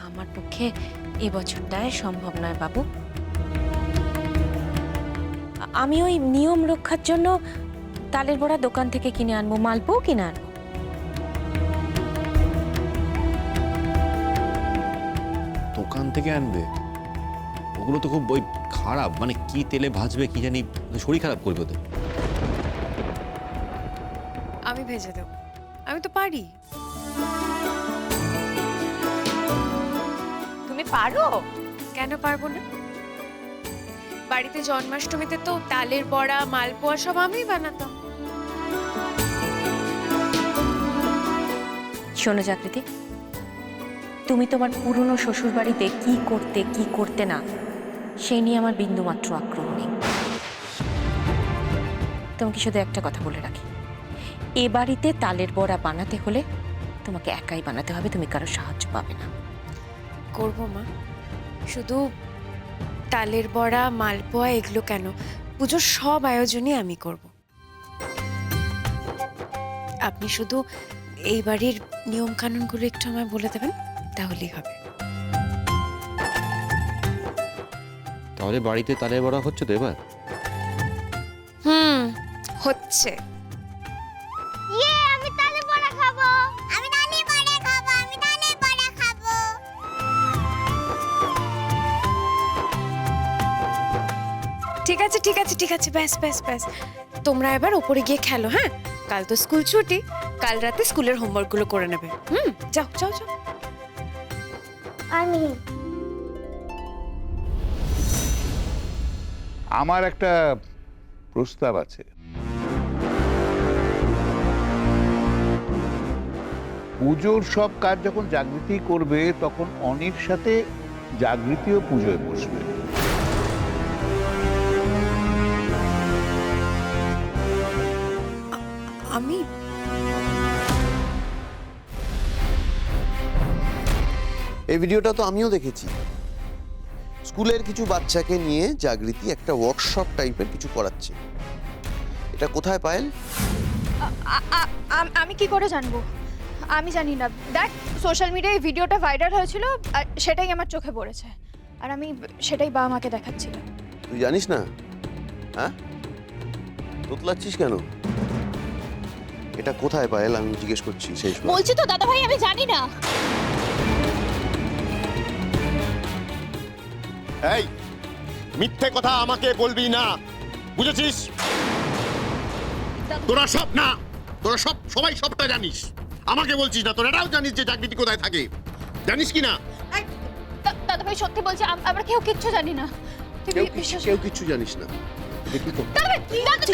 আমার পক্ষে এবছরটায় সম্ভব নয় বাবু। আমি ওই নিয়ম রক্ষার জন্য তালের বড়া দোকান থেকে কিনে আনবো, মালপোও কিনে আনবো। দোকান থেকে আনবে? ওগুলো তো খুব ওই খারাপ, মানে কি তেলে ভাজবে কি জানি, শরীর খারাপ করবে তো। আমি ভেজে দেব, আমি তো পারি। তুমি পারো? কেন পারবো না? বাড়িতে জন্মাষ্টমীতে তো তালের বড়া মালপোয়া সব আমিই বানাতাম। শোনো জাগৃতি, তুমি তোমার পুরনো শ্বশুর বাড়িতে কি করতে কি করতে না সেই নিয়ে আমার বিন্দুমাত্র আগ্রহ নেই। তোমাকে শুধু একটা কথা বলে রাখি, এ বাড়িতে তালের বড়া বানাতে হলে তোমাকে একাই বানাতে হবে, তুমি কারো সাহায্য পাবে না। করবো মা, শুধু তালের বড়া মালপোয়া এগুলো কেন, পুজোর সব আয়োজনই আমি করব। আপনি শুধু এই বাড়ির নিয়ম কানুনগুলো একটু আমায় বলে দেবেন, তাহলেই হবে। তাহলে বাড়িতে তালের বড়া হচ্ছে তো এবার? হচ্ছে। আমি তালের বড়া খাবো, আমি তালের বড়া খাবো, আমি তালের বড়া খাবো। ঠিক আছে ঠিক আছে ঠিক আছে, ব্যাস ব্যাস ব্যাস, তোমরা এবার ওপরে গিয়ে খেলো। হ্যাঁ, কাল তো স্কুল ছুটি, কাল রাতে স্কুলের হোমওয়ার্কগুলো করে নেবে। যাও যাও যাও। আমি আমার একটা প্রস্তাব আছে। পুজোর সব কাজ যখন জাগৃতি করবে তখন অনির সাথে জাগৃতিও পুজোয় বসবে। আমি এই ভিডিওটা তো আমিও দেখেছি। স্কুলের কিছু বাচ্চাকে নিয়ে জাগৃতি একটা ওয়ার্কশপ টাইপের কিছু করাচ্ছে। এটা কোথায় পায়েল? আমি কি করে জানবো? আমি জানি না। দেখ, সোশ্যাল মিডিয়ায় ভিডিওটা ভাইরাল হয়েছিল আর সেটাই আমার চোখে পড়েছে, আর আমি সেটাই বাবা মাকে দেখাচ্ছিলাম। তুই জানিস না? হ্যাঁ, তোতলাচ্ছিস কেন? এটা কোথায় পায়েল? আমি জিজ্ঞেস করছি। শেষ বলছি তো দাদা ভাই, আমি জানি না। এই মিথ্যে কথা আমাকে বলবি না, বুঝেছিস? তোরা সব না, তোরা সব সবাই সবটা জানিস, আমাকে বলছিস না। তোরা এটাও জানিস যে জাগৃতি কোথায় থাকে, জানিস কি না? দাদা ভাই সত্যি বলছি, আমরা কেউ কিচ্ছু জানি না। তুই বিশ্বাস কেউ কিছু জানিস না? দেখি তো। দাদা ভাই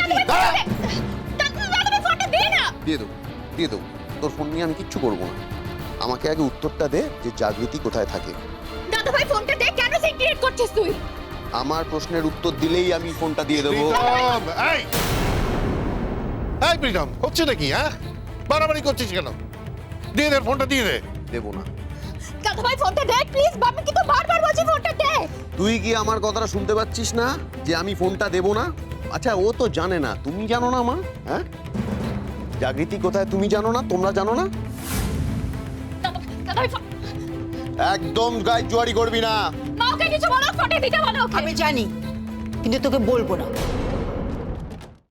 ফোনটা দে না। দিয়ে দেবো, দিয়ে দেবো। তোর ফোন নিয়ে আমি কিচ্ছু করবো না। আমাকে আগে উত্তরটা দে যে জাগৃতি কোথায় থাকে। দাদা ভাই ফোনটা দে, কেন সিন ক্রিয়েট করছিস তুই? আমার প্রশ্নের উত্তর দিলেই আমি ফোনটা দিয়ে দেবো। এই এই প্রীতম, হচ্ছে নাকি? হ্যাঁ, বাড়াবাড়ি করছিস কেন? দিয়ে দে ফোনটা, দিয়ে দে। দেবো না। দাদা ভাই ফোনটা দে প্লিজ, আমি কিন্তু বারবার বলছি ফোনটা দে। তুই কি আমার কথাটা শুনতে পাচ্ছিস না যে আমি ফোনটা দেবো না? আচ্ছা, ও তো জানে না, তুমি জানো না মা? হ্যাঁ, জাগৃতি কোথায় তুমি জানো না? তোমরা জানো না? দাদা ভাই একদম গায়ে জোয়ারি করবি না। মা ওকে কিছু বলো, ফোনটা দিতে বলো ওকে। আমি জানি, কিন্তু তোকে বলবো না।